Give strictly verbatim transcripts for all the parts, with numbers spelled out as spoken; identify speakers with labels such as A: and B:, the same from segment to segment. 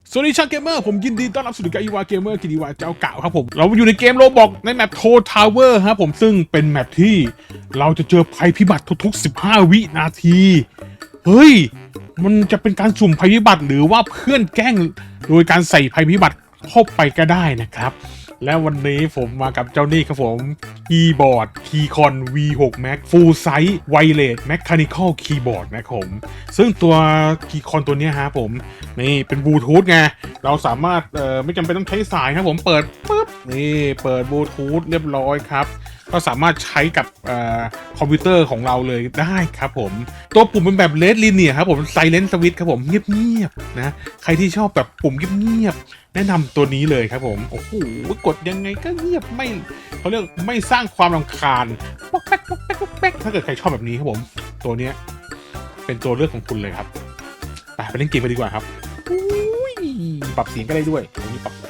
A: สวัสดีชาวเกมเมอร์ผมยินดีต้อนรับสู่การอีวาเกมเมอร์กิติวาเจ้าเก่าครับผมเราอยู่ในเกมโรบอกในแมปโททาวเวอร์ครับผมซึ่งเป็นแมปที่เราจะเจอภัยพิบัติทุกๆสิบห้าวินาทีเฮ้ยมันจะเป็นการสุ่มภัยพิบัติหรือว่าเพื่อนแกล้งโดยการใส่ภัยพิบัติเข้าไปก็ได้นะครับและวันนี้ผมมากับเจ้านี่ครับผมคีย์บอร์ด Keycon วี หก Max Full Size Wireless Mechanical Keyboard นะครับผมซึ่งตัว Keycon ตัวนี้ฮะผมนี่เป็นบลูทูธไงเราสามารถเอ่อไม่จำเป็นต้องใช้สายครับผมเปิดปุ๊บนี่เปิดบลูทูธเรียบร้อยครับก็สามารถใช้กับเอ่อคอมพิวเตอร์ของเราเลยได้ครับผมตัวปุ่มเป็นแบบเลดลิเนียครับผมไซเลนต์สวิตช์ครับผมเงียบๆนะใครที่ชอบแบบปุ่มเงียบๆแนะนำตัวนี้เลยครับผมโอ้โหกดยังไงก็เงียบไม่เขาเรียกไม่สร้างความรำคาญป๊อกแป๊กป๊อกแป๊กป๊อกแป๊กถ้าเกิดใครชอบแบบนี้ครับผมตัวเนี้ยเป็นตัวเลือกของคุณเลยครับไปไปเล่นเกมไปดีกว่าครับปรับเสียงก็ได้ด้วยอันนี้ปรับ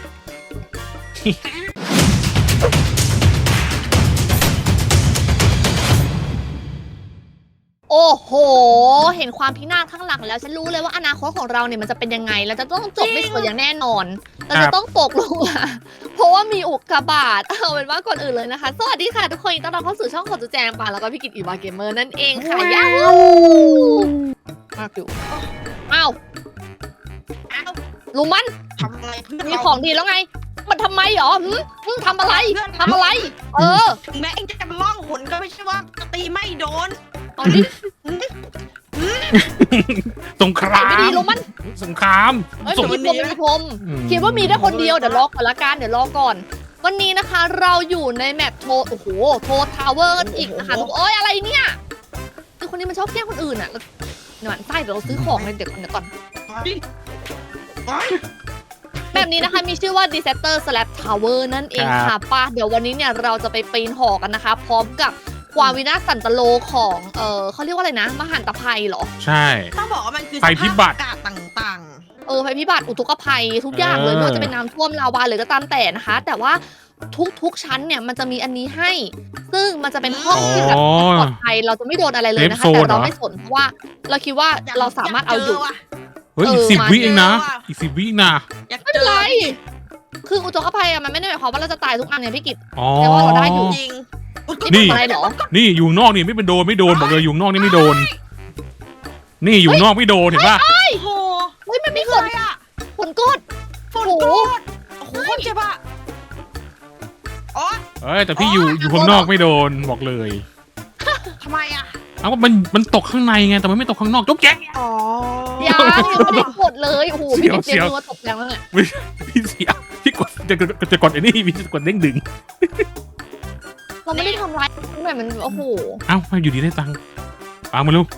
B: โอ้โหเห็นความพินาศข้างหลังแล้วฉันรู้เลยว่าอนาคตของเราเนี่ยมันจะเป็นยังไงเราจะต้องจบไม่สวยอย่างแน่นอนเราจะต้องตกลงมาเพราะว่ามีอุกกาบาตเอาเป็นว่าก่อนอื่นเลยนะคะสวัสดีค่ะทุกคนต้อนรับเข้าสู่ช่องของจุแจงปาแล้วก็พี่กิตอีวาเกมเมอร์นั่นเองค่ะยาวมากอยู่อ้าวลุงมัน
C: ทำอะไรเพื่อน
B: มีของดีแล้วไงมันทำไมหรอหึหึทำอะไรทำอะไรเออ
C: ถึงแม้เองจะล่องหนก็ไม่ใช่ว่าตีไม่โดน
B: เอาดิ
A: สงคราม
B: ไม่ดีลุงมัน
A: สงคราม
B: เอ้ย
A: สง
B: มีพรมมีพรมคิดว่ามีได้คนเดียวเดี๋ยวรอก่อนละกันเดี๋ยวรอก่อนวันนี้นะคะเราอยู่ในแมปโทโอ้โหโททาวเวอร์กันอีกนะคะทุกโอ้ยอะไรเนี่ยคือคนนี้มันชอบแกล้งคนอื่นอ่ะหนอนไส้เดี๋ยวเราซื้อของเลยเดี๋ยวก่อนเดี๋ยวก่อนแบบนี้นะคะมีชื่อว่า Disaster Slab Tower นั่นเองค่ะป้าเดี๋ยววันนี้เนี่ยเราจะไปปีนหอกันนะคะพร้อมกับความวินาศสันตโลของเออเขาเรียกว่าอะไรนะมหันตภัยเหรอ
A: ใช่
C: ต้องบอกว่ามันคือ
A: ภัยพิบัติ
C: สภาพอากาศต่าง
B: เออภัยพิบัติอุทกภัยทุกอย่างเลย
A: เออ
B: ไม่ว่าจะเป็นน้ำท่วมลาวาเลยก็ตามแต่นะคะ แต่ว่าทุกๆชั้นเนี่ยมันจะมีอันนี้ให้ ซึ่งมันจะเป็นห้องที่แบบปลอดภัยเราจะไม่โดนอะไรเลยนะคะ แต่เราไม่สนเพราะว่าเราคิดว่า
C: ๆ
B: เราสามารถเอาอยู่
C: ว่ะ
A: เฮ้ยอีก
B: เออ
A: สิบ
B: มา
A: วิเองนะ
C: เจอว่ะ
A: อีกสิบวินะ
C: อยาก
B: ไม่
C: เจ
B: เป็น
C: อ
B: ไรคืออุทกภัยอะมันไม่ได้หมายความว่าเราจะตายทุกอันเนี่ยพี่กิต
A: อ๋อ
B: แต่ว่าเราได้อยู่
C: จริง
A: นี่
B: นี่ทำอะไรเหรอ
A: นี่อยู่นอกนี่ไม่เป็นโดนไม่โดนบอกเลยอยู่นอกนี่ไม่โดน นี่อยู่นอกไม่โดนเห็นปะ
C: โอ้โห
B: เฮ้ยมันมี
C: นี่
B: ฝ
C: คือน อะไรอ่ะ
B: ฝนกด
C: ฝนกรดโอ้โหคนเจ็บอ่ะอ๋อ
A: เอ้ยแต่พี่อยู่อยู่ข้างนอกไม่โดนบอกเลย
C: ทำไมอ่ะ
A: เอาว่ามันมันตกข้างในไงแต่มันไม่ตกข้างนอกจุ๊บแจ๊ก
C: อ๋อ
B: ยังยังไม่ได้กดเลยโอ้โหพี่กิต
A: เสี
B: เตรีย
A: ยว
B: มมือมาตบแรงแล้วเนี่ย
A: พี่เสียพี่กดจะจะจะกดไอ้นี่พี่จะกดเด้งดึง
B: เราไม่ได้ทำร้ายหน่อยมันโอ้โห
A: เอ้าอยู่ดีได้ตังค์ปังมาลูก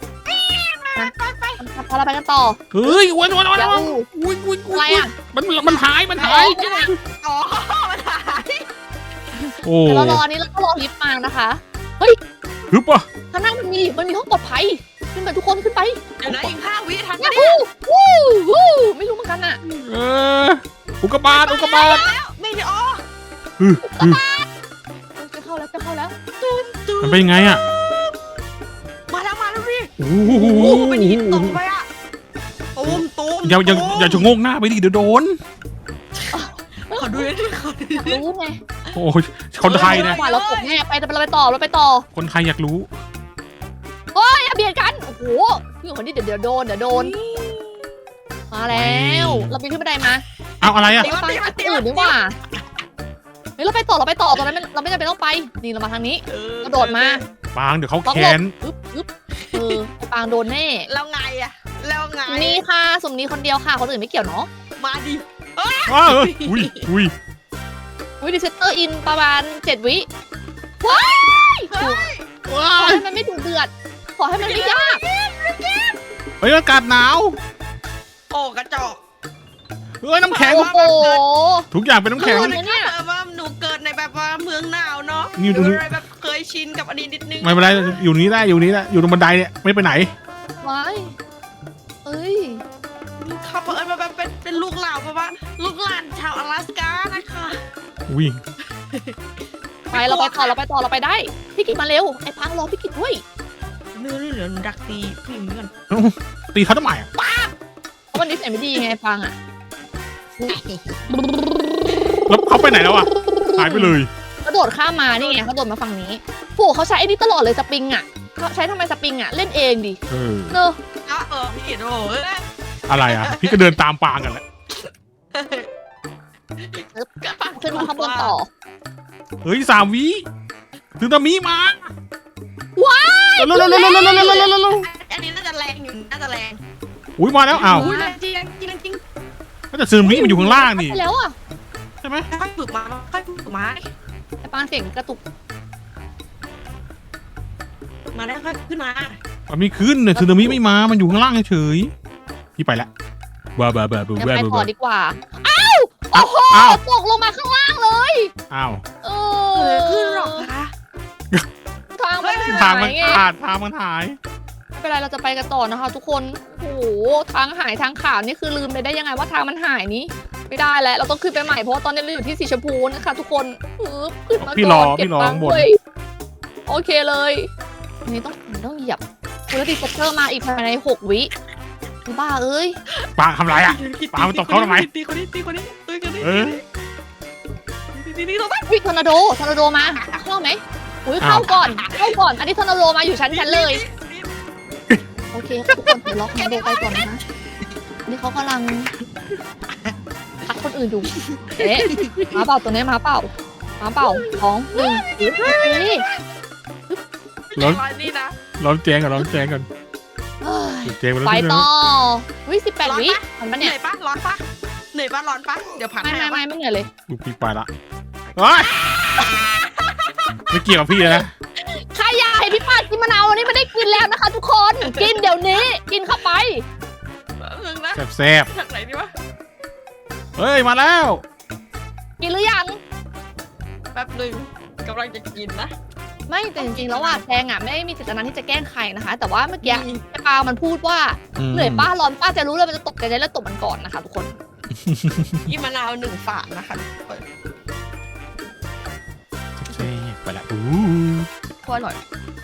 B: พอเราไปกันต่อ
A: เฮ้ยวันวันวัน
B: แล้ว
A: วันอุ้ยอุ้ย
B: อะไรอ่ะ
A: มันมันหายมันหาย
C: อ๋อมันหาย
A: โอ้
B: เดี๋ยวเรารออันนี้แล้วก็รอลิฟต์มานะคะ
A: ฮึบอ่ะ
B: ข้างหน้ามันมีมันมีห้องปลอดภัยขึ้นไปทุกคนขึ้นไป
C: เดี๋ยวนะอีกห้าวิทัน
B: ว้า
C: ปะเนี่ย
B: วู้วู้ไม่รู้เหมือนกันอ่ะ
A: เอออุกกาบาตอุกกาบาต
C: แล้วไม่ได้อ๋อ
A: ฮึฮึ
B: จะเข้าแล้วจะเข้าแล้ว
A: มันเป็นยังไงอ่ะ
C: มาแล้วมาแล้วพี่
A: โอ้
C: โอ้
A: โห
C: โหเป็นหินตกไปอ่ะตูมตูม
A: อย่าอย่า
C: ตูม
A: อย่าชะโงกหน้าไปดิเดี๋ยวโดน
C: ขอดูหน่อยดิขอดูหน่อยดิ
B: รู้ไง
A: โอ้ยคนไทยนะ
B: ว่าเราตกแน่ไปแต่เราไปต่อเราไปต่อ
A: คนไทยอยากรู้
B: เฮ้ยอย่าเบียดกันโอ้โหพี่คนนี้เดี๋ยวเดี๋ยวโดนเดี๋ยวโดนมาแล้วเราปีนขึ้นบันไดมา
A: เอาอะไรอ่ะ
B: ไปฟังอันอื่นดีกว่าเฮ้ยเราไปต่อเราไปต่อตอนนั้นเราไม่จำเป็นต้องไปนี่เรามาทางนี้
C: เออก
B: ระโดดมา
A: ปางเดี๋ยวเขา
B: ต้อง
A: แค้
B: หล
A: น
B: บปึ๊บปึ๊บเออไอ้ปางโดนแน่
C: แล้วไงอะแล้วไง
B: นี่ค่ะสุ่มนี้คนเดียวค่ะคนอื่นไม่เกี่ยวเนาะ
C: มาดิ
A: อ้าวอุ้ยอุ้ย
B: วิดีเซตเตอร์อินประมาณเจ็ดวิว้าย
C: เฮ้ย
B: ขอให้มันไม่ดุเดือดขอให้มันไม่ยาก
A: เฮ้ยอากาศหนาว
C: โอ้กระจอก
A: เฮ้ยน้ำแข็ง
B: โอ้โห
A: ทุกอย่างเป็นน้ำแข็ง
B: โอ้
C: นะ
B: เนี่
C: เนี่ย ยว่าหนูเกิดในแบบว่าเมืองหนาวเนาะ
A: นี่
C: ห
A: ดู
C: นู
A: ดิ
C: เลยแบบเคยชินกับอันนี้นิดนึง
A: ไม่เป็นไรอยู่นี้ได้อยู่นี้ได้อยู่ตรงบันไดเนี่ยไม่ไปไหน
B: ว้ายเอ้ย
C: เขาเอิญมาแบบเป็นเป็นลูกหลานเพราะว่าลูกหลานชาวอลาสก้านะคะ
A: อุ้ย
B: ไปเราไปต่อเราไปต่อเราไปได้พี่กิจมาเร็วไอ้ปังรอพี่กิจด้วย
C: เนื้อเหลือดักตีผู้หญิงก่อน
A: ตีเขาทำไมอ่ะ
B: เพราะวันนี้ไหนไม่ดีไงฟังอ่ะ
A: แล้วเขาไปไหนแล้วอ่ะหายไปเลย
B: กระโดดข้ามมานี่ไงกระโดดมาฝั่งนี้โหเขาใช้ไอ้นี่ตลอดเลยสปริงอ่ะเขาใช้ทำไมสปริงอ่ะเล่นเองดิ
A: เออ
B: เนอะ
C: อ่ะเออพี่โอ้ย
A: อะไรอ่ะ พี่ก็เดินตามปางกันแหละ
B: ขึ้นมาข้างบนต่อ
A: เฮ้ยสามวิถึงตามีมา
B: ว้าย
A: เร็วเร็วเร็วเร็วเร็วเร็วเร็วเร็วเร็ว
C: อันนี้น่าจะแรงอยู่น่าจะแรง
A: อุ้ยมาแล้วอ้าว
C: อุ้ยแรงจริงแรงจริงแรงจริง
A: แต่ซึนามิมันอยู่ข้างล่างนี่
B: ไปแล้วอ่ะ
A: ใช่ไหม
C: ค่อยฝึกมาค่อยฝึกมา
B: ไอ้ปางเสียงกระตุก
C: มาได้ค่อยขึ้นมา
A: มันมีขึ้นเนี่ยซึนามิไม่มามันอยู่ข้างล่างเฉยพี่ไปละบ้าบ้าบ้าบ้า
B: เดี๋ยว
A: บ้า
B: ไปต่อ
A: บ้า
B: ดีกว่าอ้าวโอ้โห
A: อ้าว
B: ตกลงมาข้างล่างเลย
A: อ้าว
B: เอ
C: เอ
B: อ
C: อขึ้นหรอกคะ
B: ทางมัน
A: ทา
B: หาง
A: มัน
B: ยไง
A: ขาดทางมันหาย
B: ไม่เป็นไรเราจะไปกันต่อนะคะทุกคนโอ้โหทางหายทางขาดนี่คือลืมไปได้ยังไงว่าทางมันหายนี้ไม่ได้แล้วเราต้องขึ้นไปใหม่เพราะว่าตอนนี้เราอยู่ที่สีชมพูนะคะทุกคนปึ๊บขึ้นมา
A: พี่รอ
B: ก่อนเก็
A: พี่รอ
B: ตัง
A: ข้าง
B: ค์
A: บน
B: ด้วยโอเคเลยอันนี้ต้องต้องเหยียบคุณแล้วดีคอปเตอร์มาอีกภายในหกวิบ้าเอ้ย
A: ปางทำไรอ่ะ ปามันตบเขาทำไม
C: ตีคนนี้ตีคนนี้ตีคนนี้
A: เออ
C: ตีตีตีตรงนั้น
B: วิทอร์นาโดทอร์นาโดมาเข้าไหมอุ้ยเข้าก่อนเข้าก่อนอันนี้ทอร์นาโดมาอยู่ชั้นชั้นเลย โอเคทุกคนเดี๋ยวล็อกทอร์นาโดไปก่อนนะคะนี่เขากำลังพักคนอื่นอยู่เอ๊ะมาเปล่าตัวนี้มาเปล่ามาเปล่าสองหนึ่งนี่
A: ร้อน
C: นี่นะ
A: ร้อนแจงก่อนร้อนแจงก่อน
B: เอ้ย
A: แจงไปแล้ว
B: ไป
A: ใช่ไหม
B: ต่อวิสิบแปดวิทันปะ
C: เห
B: เนี่
C: นื่
B: ย
C: อยปะร้อนปะเหนื่อยปะร้อนปะเดี๋ยวผ่าน
B: ไม่
C: ให้
B: ไม่ไม่ไม่เหนื่อยเลย
A: ลูกพี่ไปละเฮ้ยไม่เกี่ยวกับพี่เลยนะ
B: ใครอยากให้พี่ปาดกินมะนาววันนี้ไม่ได้กินแล้วนะคะ ทุกคนกินเดี๋ยวนี้กินเข้าไป
C: นึงนะ
A: แซ่บ
C: ทางไหนดีวะ
A: ๆเฮ้ยมาแล้ว
B: กินหรือยัง
C: แป๊บหนึ่งกำลังจะกินนะ
B: ไม่แต่จริงๆแล้วว่าแจงอ่ะไม่ได้มีเจตนาที่จะแกล้งใครนะคะ แต่ว่าเมื่อกี้ไอ้ปามันพูดว่าเหนื่อยป้าร้อนป้าจะรู้เลยมันจะตกใจแล้วตบมันก่อนนะคะทุกคน
C: กินมะนาวหนึ่งฝาดนะคะ
A: แซ่บไปละอู้
B: โคตรอร่อย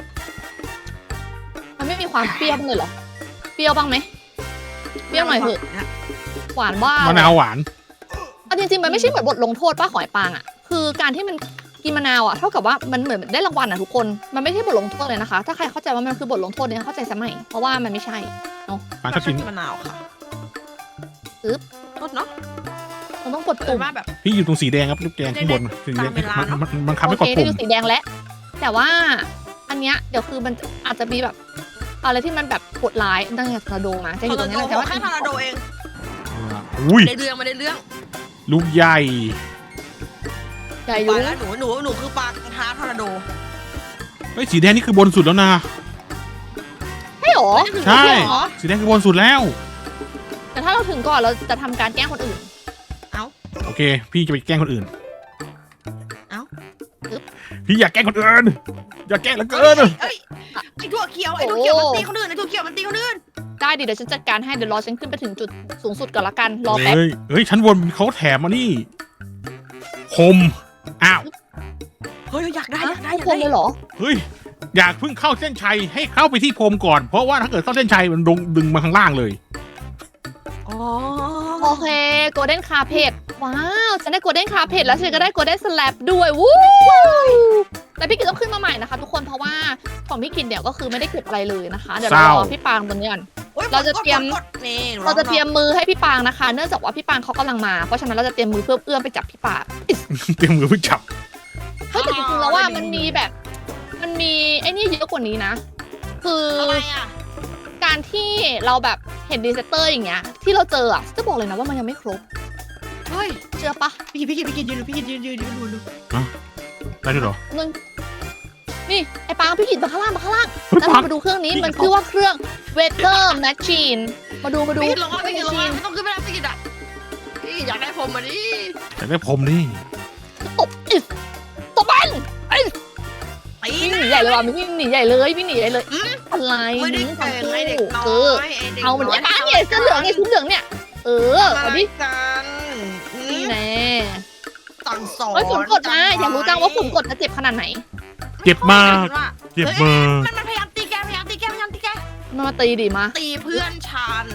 B: มันไม่มีความเปรี้ยวบ้างเลยเหรอเปรี้ยวบ้างไหมเปรี้ยวหน่อยเถอะหวานบ้าง
A: มะนาวหวาน
B: เอาจริงๆมันไม่ใช่เหมือนบทลงโทษป้าหอยปางอ่ะคือการที่มันกินมะนาวอ่ะเท่ากับว่ามันเหมือนได้รางวัลอ่ะทุกคนมันไม่ใช่บทลงโทษเลยนะคะ ถ้าใครเข้าใจว่ามันคือบทลงโทษเนี่ยเข้าใจซะใหม่เพราะว่ามันไม่ใช่
A: ปางชอบกิน
C: มะนาวค่ะ
B: อึ๊บ
C: โทษเนาะ
B: มันต้องกด
C: เกิ
B: ปุ่
C: ด
B: ม
C: มาแบบ
A: พี่อยู่ตรงสีแดงครับลูกแดงข้างบนสีแดง
C: ตามเวลา
A: มัน
C: เนอะ
A: มันมันบังคับ
B: โอ
A: ให้ก
B: เค
A: ด
B: ได้
A: ปุ่ม
B: ดูสีแดงแล้ว แต่ว่าอันเนี้ยเดี๋ยวคือมันอาจจะมีแบบอะไรที่มันแบบกดร้ายตั้งแต่ทอร์นาโดมาจะอยู่ตรงนี้แหละแต่ว่า
C: แค่ทอร์นาโดเอง
A: อุ้ย
C: ได้เรื่องไม่ได้เรื่อง
A: ลูกใหญ่
B: ใหญ่อ
C: ไป
B: ยู่
C: แล้วหนูหนูหนูคือปลาท้าทอร์นาโด
A: เฮ้ยสีแดงนี่คือบนสุดแล้วนะ
B: ใช่หรอ
A: ใช่
B: เหรอ
A: สีแดงคือบนสุดแล้ว
B: แต่ถ้าเราถึงก่อนเราจะทำการแกล้งคนอื่น
A: โอเค พี่จะไปแกล้งคนอื่น
C: เอ้า
A: พี่อยากแกล้งคนอื่นอยากแกล้งเหลือเกิน
C: เอ้ยไอ้ถั่วเขียวไอ้ถั่วเขียวมันตีคนอื่นไอ้ถั่วเขียวมันตีคนอื่น
B: ได้ดิเดี๋ยวฉันจัดการให้เดี๋ยวรอฉันขึ้นไปถึงจุดสูงสุดก่อนละกันรอแป๊บ
A: เฮ้ยเฮ้ยชั้นบนเขาแถมมานี่คมอ้าว
C: เฮ้ยอยากได้อยากได้
B: ทุ
C: อก ยาก
B: คน
C: ได้
B: เลยเหรอ
A: เฮ้ยอยากเพิ่งเข้าเส้นชัยให้เข้าไปที่พรมก่อนเพราะว่าถ้าเกิดเข้าเส้นชัยมันดึงดึงมาข้างล่างเลย
C: อ๋อ
B: โอเคโกลเด้นคาเพดว้าวฉันได้โกลเด้นคาเพดแล้วฉันก็ได้โกลเด้นสแลบด้วยวู้แต่พี่กิตต้องขึ้นมาใหม่นะคะทุกคนเพราะว่าของพี่กิตเนี่ยก็คือไม่ได้เก็บอะไรเลยนะคะเดี๋ยวเรารอพี่ปางตรงนี้ก่อน เราจะเตรียม
C: นี่
B: เราจะเตรียมมือให้พี่ปางนะคะ เนื่องจากว่าพี่ปางเขากำลังมาเพราะฉะนั้นเราจะเตรียมมือเพื่อเอื้อมไปจับพี่ปาง
A: เตรียมมือเพื่อจับ
B: เฮ้ยแต่จริงๆแล้วว่ามันมีแบบ มันมีไอ้นี่เยอะกว่านี้นะ คือ
C: อะไรอ่ะ
B: การที่เราแบบเห็นดีเซเตอร์อย่างเงี้ยที่เราเจออ่ะจะบอกเลยนะว่ามันยังไม่ครบ
C: เฮ้ย
B: เชื่อปะ
C: พี่กินพี่กินพี่กินยืนพี่กินยืนยืนยืนดูดู
A: ได้ด้วยเหรอ
B: นึงนี่ไอ้ปางพี่กิตมาข้างล่างมาข้างล่าง
A: เฮ้ย
B: แล้ว
A: ปัง
B: มาดูเครื่องนี้มันคือว่าเครื่อง weather machine มาดูมาดู
C: พี่กินลงมาพี่กินลงมาไม่ต้องขึ้นไปแล้วพี่กินอ่ะพี่อยากได้ผมมาดิ
A: อยากได้พรมดิ
B: ตบอิสตบมัน
C: ตี
B: วิ่งหนีใหญ่เลยว่ะวิ่งหนีใหญ่เลยวิ่งหนีใหญ่เลยอะไร
C: ไม่ได้
B: นี่
C: เก่ง
B: ทำ
C: ไอเด็กน้อ
B: เออย
C: ไอเด็ก
B: เอามันไอ้ปางเนี่ยเสื้อเหลืองไอ้ชุดเหลืองเนี่ยเออ
C: มา
B: เอา
C: ดิ
B: ดิ
C: กัน
B: นี่แน่
C: สั่งสอน
B: เฮ้ยฝนกดมาอยากรู้จังว่าฝนกดจะเจ็บขนาดไหน
A: เจ็บมากเจ็บมาก
C: มันมันพยายามตีแกพยายามตีแกพยายามตีแก
B: มามาตีดิมา
C: ตีเพื่อนฉัน
B: เฮ้ยไอ้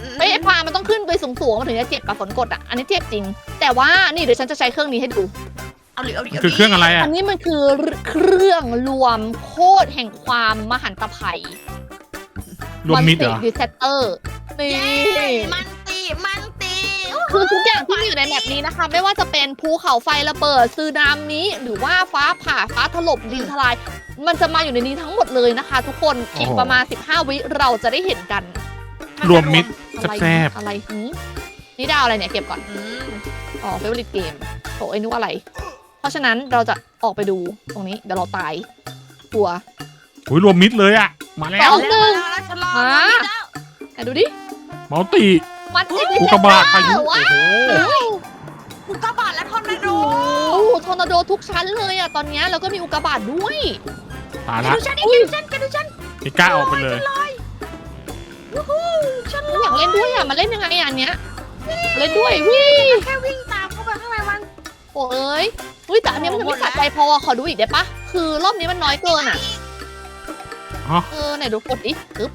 B: ฟางมันต้องขึ้นไปสูงๆมันถึงจะเจ็บปะฝนกดอ่ะอันนี้เจ็บจริง แต่ว่านี่เดี๋ยวฉันจะใช้เครื่องนี้ให้ดู
C: เอาดิเอาดิ
A: คือเครื่องอะไรอ่ะ
B: อันนี้มันคือเครื่องรวมโคตรแห่งความมหันตภัย
A: รวมมิดเหรอ
B: ดิเซตเตอร์นี่
C: เย้มันตีมันตี
B: คือทุกอย่างที่มีอยู่ในแมปนี้นะคะ ไม่ว่าจะเป็นภูเขาไฟระเบิดซึนามิหรือว่าฟ้าผ่าฟ้าถล่มดินทลาย มันจะมาอยู่ในนี้ทั้งหมดเลยนะคะ ทุกคนอีกประมาณสิบห้าวิเราจะได้เห็นกัน
A: รวมมิด
B: อะไร
A: แซ่บ
B: อะไรหืมนี่ดาวอะไรเนี่ยเก็บก่อน
C: อืม
B: อ๋อเฟเวอร์ลิตเกมโถไอ้นึกว่าอะไร เพราะฉะนั้นเราจะออกไปดูตรงนี้เดี๋ยวเราตายกลัว
A: โอ้ยรวมมิดเลยอ่ะ มาแล้ว
B: เอา หนึ่ง
C: แล้วแล้วฉันรอ
B: ฮะ
C: นี่แล้ว
B: ไหนดูดิ
A: มัลติ
B: มันเอ็ก
A: อุกกาบาตพายุ
B: ว้า
A: โอ้โห
B: ว
C: อุกกาบาตและทอร์นาโด
B: โอ้โหทอร์นาโดทุกชั้นเลยอะตอนเนี้ยแล้วก็มีอุกกาบาตด้วย
A: ตาย
C: แก
A: ละ
C: ดูฉันแกดูฉันแกดูฉัน
A: ไม่กล้าออกไปเลย
C: วู้ฮู้ฉัน
B: ฉันอยากเล่นด้วยอะมันเล่นยังไงอะอันเนี้ยเล่นด้วยวิ
C: แค่วิ่งตามเข้าไปข้างในมัน
B: โอ้เอ้ยอุ้ยแต่อันเนี้ยมันจะไม่สะใจพอขอดูอีกได้ปะคือรอบนี้มันน้อยเกินอะ
A: อ๋อ
B: เออไหนดูกดดิปึ๊บ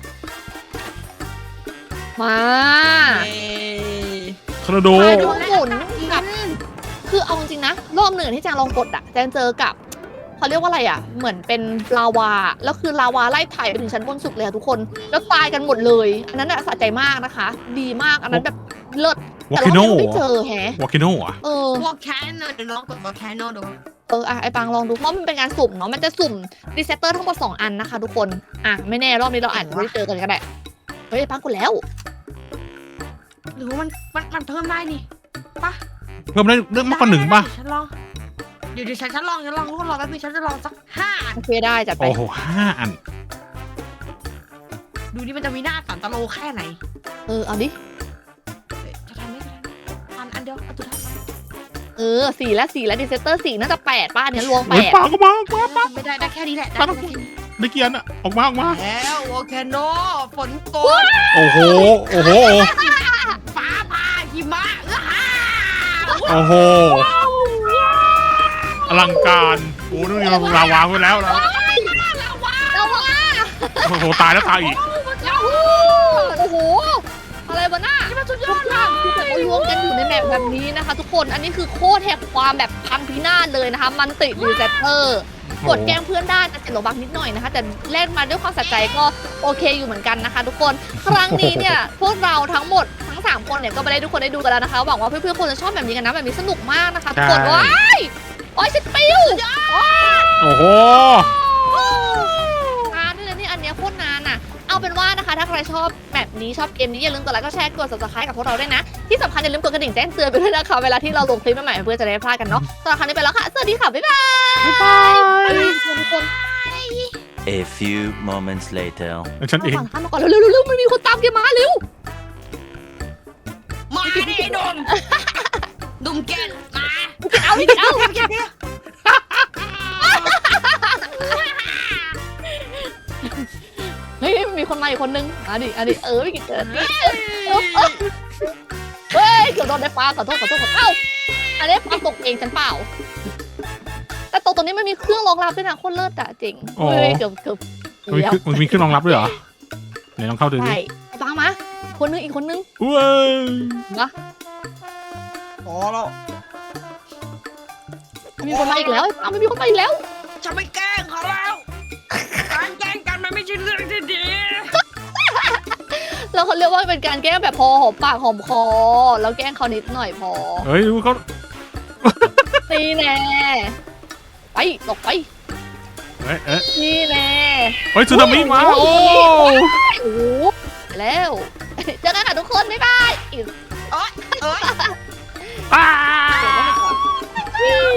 B: มา
C: เย้
A: ทอร์นาโด
B: ไปดูหมุนกับคือเอาจริงๆนะรอบหนึ่งที่แจงลองกดอะแจงเจอกับเขาเรียกว่าอะไรอะเหมือนเป็นลาวาแล้วคือลาวาไล่ไถ่ไปถึงชั้นบนสุดเลยอะทุกคนแล้วตายกันหมดเลย อันนั้นอะสะใจมากนะคะ ดีมากอันนั้นแบบเลิศ
A: วอ
B: แต่
A: คิโน
B: เราไม่เจอแฮะ
A: วอคิโนอ่ะ
B: เออ
C: วอลแคนโนเดี๋ยวลองกดวอลแคนโนดู
B: เอออะไอปังลองดูเพราะมันเป็นการสุ่มเนาะมันจะสุ่มรีเซตเตอร์ทั้งหมดสองอันนะคะทุกคนอ่ะไม่แน่รอบนี้เราอาจจะไม่ได้เจอกันก็ได้เฮ้ยไอปังกดแล้ว
C: หรือว่ามันมันมันเพิ่มได้นี่ปะ
A: เพิ่มได้เรื่องมากกว่าหนึ่งป่ะ
C: ได้ฉันลองเดี๋ยวเดี๋ยวฉันฉันลองฉันลองทุกคนรอแป๊บนึงฉันจะลองสักห้าอัน
B: โอเคได้จัดไป
A: โอ้โหห้าอัน
C: ดูนี่มันจะมีหน้าสันตะโลแค่ไหน
B: เออเอาดิ
C: เฮ้ยจะทันไหมจะทันไหมอันอันเดียวอันสุดท้าย
B: เออสี่แล้วสี่แล้วรีเซตเตอร์สี่น่าจะแปดป้าเนี่ยรวมแป
A: เฮ้ย
B: ด
A: ปากออกมาออกมาปาก
C: ไม่ได้ได้แค่นี้แหละได้
A: ปาก
C: แค่นี้
A: ได้เกียร์อ่ะออกมาออกมา
C: แล้ววอลแคนโนฝนตก
A: โอ้โห โอ้โห
C: ฟ้าผ่าหิมะอื้อฮ่า
A: โอ้โห อลังการ โอ้นู่นนี่เราลาวางไว้แล้วนะ
B: เราว่า
A: โอ้โห ตายแล้วตายอีก
B: โอ้โหอะไรวะน่า
C: นี่มันสุดย
B: ทุ
C: อก ด
B: อ
C: เล
B: ย่าง
C: ย
B: คือแบบว่ารวมกันอยู่ในแมปแบบนี้นะคะ ทุกคนอันนี้คือโคตรแหกความแบบพังพินาศเลยนะคะ มันติดรีเซตเตอร์กดแกล้งเพื่อนได้แต่เจ็ดโลบักนิดหน่อยนะคะ แต่เล่นมาด้วยความสะใจก็โอเคอยู่เหมือนกันนะคะ ทุกคนครั้งนี้เนี่ยพวกเราทั้งหมดทั้งสามคนเนี่ยก็ไปได้ทุกคนได้ดูกันแล้วนะคะหวังว่าเพื่อนๆคงจะชอบแบบนี้กันนะแบบนี้สนุกมากนะคะทุกคน
A: ใช่
B: ว้ายโอ้ยฉันปิ้ว
A: โอ้โห
B: นานด้วยนะนี่อันเนี้ยโคตรนานอ่ะ เอาเป็นว่านะคะ ถ้าใครชอบแบบนี้ชอบเกมนี้อย่าลืมกดไลค์กดแชร์กด ซับสไครบ์ กับพวกเราด้วยนะ ที่สำคัญอย่าลืมกดกระดิ่งแจ้งเตือนไปด้วยนะคะ เวลาที่เราลงคลิปใหม่ๆเพื่อจะได้ไม่พลาดกันเนาะสำหรับครั้งนี้ไปแล้วค่ะ สวัสดีค่ะ บ๊ายบาย
A: บ๊ายบาย
B: ทุกคน
D: A few moments later.
A: แล้วฉันเอง
B: มาก่อนมาก่อนเร็วๆเร็วๆมันมีคนตามแกมาเร็ว
C: มาดิไอ้ดุมดุมแกนมา
B: เอาดิเอา
C: แกนเนี่ย
B: เฮ้ยมีคนมาอีกคนนึงอ่ะดิอ่ะดิเออไม่กี่เกิดเฮ้ยเกือบโดนได้ปลาขอโทษขอโทษขอโทษเอ้าอันนี้ปลาตกเองฉันเปล่า แต่ตกตรงนี้มันมีเครื่องรองรับด้วยนะโคตรเลิศอะเจ๋ง
A: อ๋อ
B: เฮ้ยเกือบเกือบ
A: มันมีเครื่องมันมีเครื่องรองรับด้วยเหรอไหนลองเข้าดูดิ
B: ใช่ฟังมาคนนึงอีกคนนึง
A: เว้ย
B: นะ
C: พอแล้ว
B: มีคนมาอีกแล้วอ้าวไม่มีคนมาอีกแล้ว
C: จะไม่แกล้งเขาแล้วการแกล้งกันมันไม่ใช่เรื่องที่ดี
B: แล้วเขาเรียกว่าเป็นการแกล้งแบบพอหอมปากหอมคอแล้วแกล้งเขานิดหน่อยพอ
A: เฮ้ยดูเขา
B: นี่แน่ไปตกไป
A: เอ้ยเอ้ย
B: นี่แน่
A: เฮ้ยสึนามิมา โอ้
B: โอ้โหไปแล้วเจอกันค่ะทุกคนบ๊ายบาย
C: เอ้ยเอ้ย
A: อ้า
B: เดี๋ยวก่อน